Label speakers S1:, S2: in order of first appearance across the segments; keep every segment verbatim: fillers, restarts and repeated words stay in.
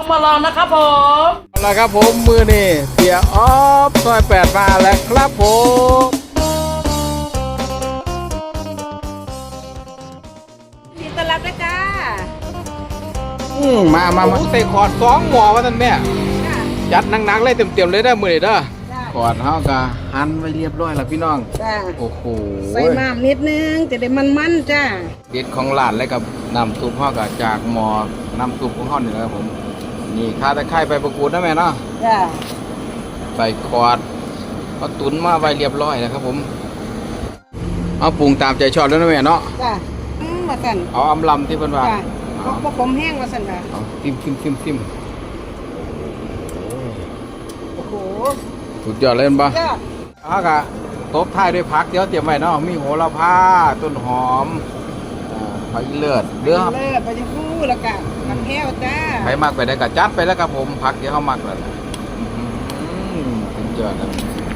S1: มาลองนะครับผม
S2: เอาละครับผมมือนี่เสียออฟซอยแปดมาแล้วครับผม
S3: ยินดีต้อนรับนะจ้า
S2: อืมมามามาใส่ขอดสองหมอวะท่านแม่จัดหนักๆเลยเต็มๆเลยได้มือนี่เด้อขอดเฮากะหั่นไว้เรียบร้อยแล้วพี่น้อง
S3: จ้า
S2: โอ้โห
S3: ใส่มามนิดนึงจะได้มันๆจ้า
S2: เด็ดของร้านเลยกับน้ำซุปเฮากะจากหมอน้ำซุปของเฮานี่นะครับผมนี่ข้าตะไคร้ใบประกูดนะแม่เนาะ
S3: จ้า
S2: ใส่ขอดก็ตุ๋นมาไว้เรียบร้อยแล้วครับผมเอาปรุงตามใจชอบแล้วนะแม่เนาะ
S3: จ้าอืมมาสั่น
S2: เอาอำลำที่เพิ่นว่า
S3: จ้าพวกผมแห้งมาสั่นค่ะ
S2: เอาซิมซิมซิมซิม
S3: โอ้โห
S2: สุดยอดเลยป่ะ
S3: ยอด
S2: เอากะตบท้ายด้วยผักเดี๋ยวเตรียมไว้เนาะมีโหระพาต้นหอมผักอีเลือดเรือ
S3: เลือดไปจะฟูแล้วกันน้ำแก้วจ้า
S2: ไปมากไปได้กะจัดไปแล้วครับผมผักเดี๋ยวเขามักแล้วสุดยอดนะ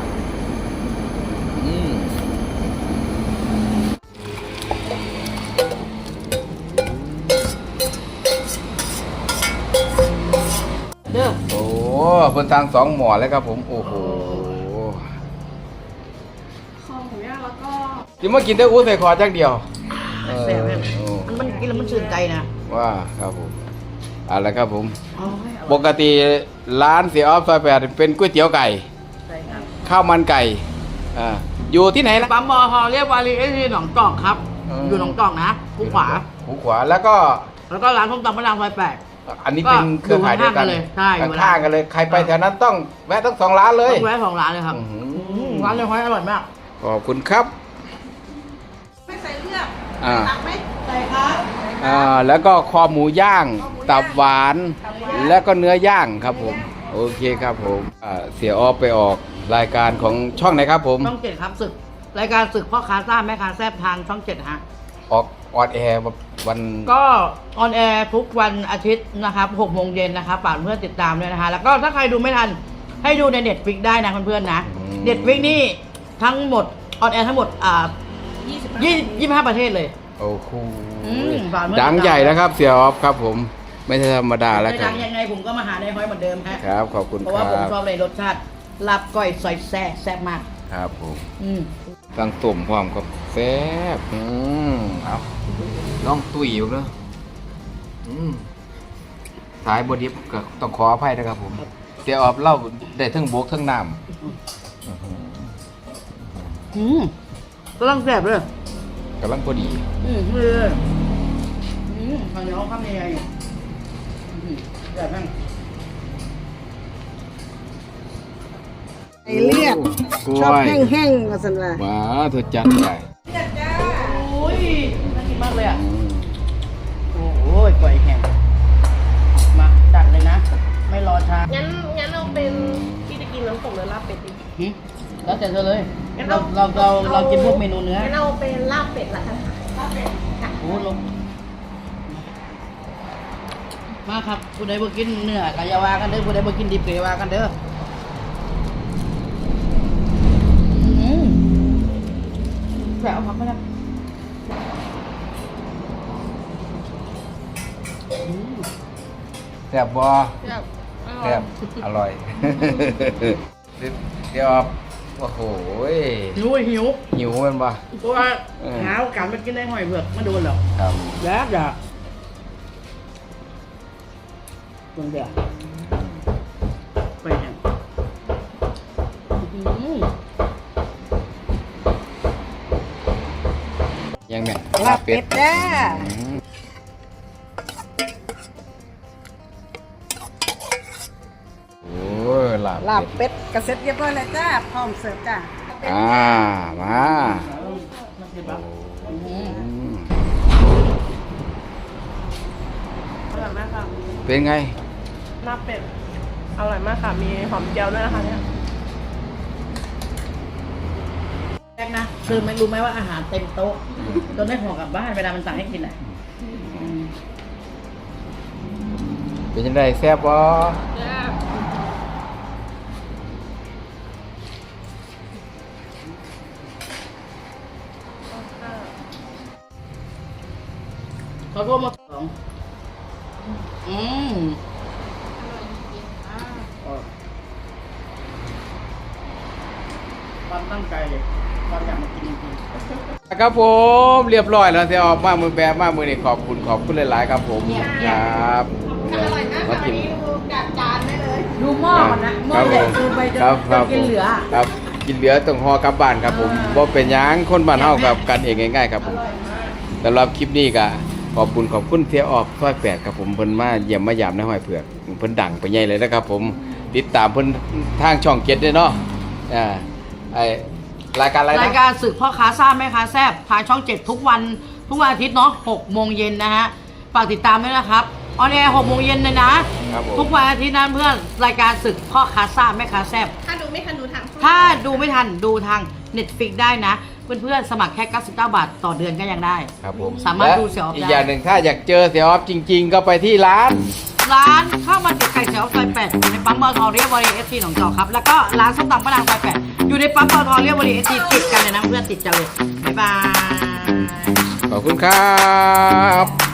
S2: อืม
S3: เด้อ
S2: โอ้เพิ่นทางสองหมอเลยครับผมโอ้โห
S4: คอหมูย่างแล้วก็
S2: กินมากินได้อู้ใส่คอจักเดียว
S3: แซ่บเลยมันมันกินแล้วมันชื่นใจนะ
S2: ว่าครับผมอะไรครับผมปกติร้านเสียออฟซอยแปดเป็นก๋วยเตี๋ยวไก่ข้าวมันไก่อ่าอยู่ที่ไหนล่ะ
S1: ปั๊มบอฮอเรียกวารีเอทีหนองจอกครับอยู่หนองจอกนะคูขวา
S2: คูขวาแล้วก็
S1: แล้วก็ร้านส้มตำมะนาวซอยแปด
S2: อันนี้เป็นเครือข่ายเดียวกัน
S1: เลยใช่
S2: ข้างกันเลยใครไปแถวนั้นต้องแวะทั้งสองร้านเลย
S1: ต้องแวะสองร้านเลยครับร้านเลยห้อยอร่อยมาก
S2: ขอบคุณครับ
S3: ไม่ใส่เลือด
S2: อ่า
S3: ตักไหมใส่ครับ
S2: อ่าแล้วก็คอหมูย่างตับหวานแล้วก็เนื้อย่างครับผมโอเคครับผมอ่าเสียออฟไปออกรายการของช่องไหนครับผม
S1: ช่องเจ็ดครับศึกรายการศึกพ่อค้าซ่าแม่ค้าแซ่บทางช่องเจ็ดฮะ
S2: ออกออนแอร์วัน
S1: ก็ออนแอร์ทุกวันอาทิตย์นะครับหกโมงเย็นนะครับฝากเพื่อนติดตามด้วยนะคะแล้วก็ถ้าใครดูไม่ทันให้ดูในเน็ตฟลิกได้นะเพื่อนๆนะเน็ตฟลิกนี่ทั้งหมดออนแอร์ทั้งหมดอ่ายี่สิบยี่สิบห้าประเทศเลย
S2: โอ้โหดังใหญ่แล้วครับเสียออฟครับผมไม่ใช่ธรรมดาแล้วครับ
S1: ดังยังไงผมก็มาหาในห้อยเหมือนเดิมฮะ
S2: ครับขอบคุณครับ
S1: เพราะว่าผมชอบเลยรสชาติลาบก้อยซอยแซ่แซ่บมาก
S2: ครับผม
S1: อืม
S2: ตั้งตุ่มความกับแซ่บอืมเอาลองตุ๋ยอยู่เนอะอืมสายบดิบก็ต้องขออภัยนะครับผมเสียออฟเล่าได้ทั้งบกทั้งน้ำ
S1: อืมกำลังแซ่บเลย
S2: กำลังพอดี
S1: อืมเลยอืมข้าวเหนียวข้าวเหนียวแซ่บมาก
S3: ไอเลือดชอบแห้งๆมาสันว่า
S2: ว้าเธอจัดใหญ่
S3: เลือดจ้า
S1: โอ้ยน่ากินมากเลยอ่ะโอ้ยกล้วยแห้งมาจัดเลยนะไม่รอช้า
S4: งั้นงั้นเราเป็นที่จะกินน้ำตกหรือลาบเป็ดดี
S1: แล้วแต่เธอเลยเราเราเราเรากินพวกเมนูเนื้อ
S4: งั้นเราเป็นลาบเป็ดละกันลาบเป็ดค่ะ
S1: โอ้ลงมาครับผู้ใดบ่กินเนื้อกายาวากันเด้อผู้ใดบ่กินดิบกายาวากันเด้อแซ่บครับไม่ได้
S2: แซ่บบ่แซ่บอร่อยเดี๋ยวโอ้โห
S1: หิวหิว
S2: หิวมันบ่
S1: เพราะว่าหาโอกาสมากินได้หอยเผือกมาโดนหรอก
S2: ครับ
S1: แล้วจ้ะตรงเดียวไปแห้ง
S2: ยังไง
S3: ลาบเป็ดจ้า
S2: โอ้ยลาบ
S3: ลาบเป็ดกระเซ็ตเรียบร้อยแล้วจ้าพร้อมเสิร์ฟจ้า
S2: อ่ามา
S4: อร่อยมากค่ะ
S2: เป็นไง
S4: ลาบเป็ดอร่อยมากค่ะมีหอมเจียวด้วยนะคะเนี่ย
S1: แรกนะคือไม่รู้ไหมว่าอาหารเต็มโต๊ะจนได้ห่อกลับบ้านเวลามันสั่งให้กินอ่ะ
S2: เป็นยังไงแซ่บบ่
S4: แซ่บ
S1: เขาโทรมาสองอืมความตั้งใจความอยากมากินจริง
S2: ครับผมเรียบร้อยแล้วเสียออกมามือแบบมามือนี่ขอบคุณขอบคุณหลายๆครับผมครับมากิน
S1: ๆดูหม้อก่อนนะหม้อใหญ่คือไปจะ
S2: ครับครับ
S1: กินเหลือ
S2: ครับกินเหลือต้องห่อกลับบ้านครับผมบ่เป็นหยังคนบ้านเฮากับกันเองง่ายๆครับผมสำหรับคลิปนี้ก็ขอบคุณขอบคุณเสียออกซอยแปดครับผมเพิ่นมาเยี่ยมมายามในห้อยเผือกเพิ่นดังไปใหญ่เลยนะครับผมติดตามเพิ่นทางช่องเจ็ดด้วยเนาะอ่าไอรายการอะไรนะ
S1: รายการศึกพ่อค้าซ่าแม่ค้าแซ่บทางช่องเจ็ดทุกวันทุกวันอาทิตย์เนาะหกโมงเย็นนะฮะฝากติดตามด้วยนะครับออนแอร์หกโมงเย็นเลยนะครับ
S2: ผม
S1: ทุกวันอาทิตย์นั้นเพื่อนรายการศึกพ่อค้าซ่าแม่ค้าแซ่บ
S4: ถ้าดูไม่ทันดูทางช่อง
S1: ถ้าดูไม่ทันดูทาง Netflix ได้นะ เพื่อนๆสมัครแค่เก้าสิบเก้าบาทต่อเดือนก็ยังได้
S2: ครับผม
S1: สามารถดูเสียออฟได้
S2: อีกอย่างหนึ่งถ้าอยากเจอเสียออฟจริง ๆ ก็ไปที่ร้าน
S1: ร้านข้าวมันเป็ดไก่เสียวซอยแปดอยู่ในปั๊มปตทเรียบวอรีเอสทีหนองจอกครับ แล้วก็ร้านส้มตำป้านางซอยแปดอยู่ในปั๊มปตทเรียบวอรีเอสทีติดกันเลยนะเพื่อนติดกันเลยบ๊ายบาย
S2: ขอบคุณครับ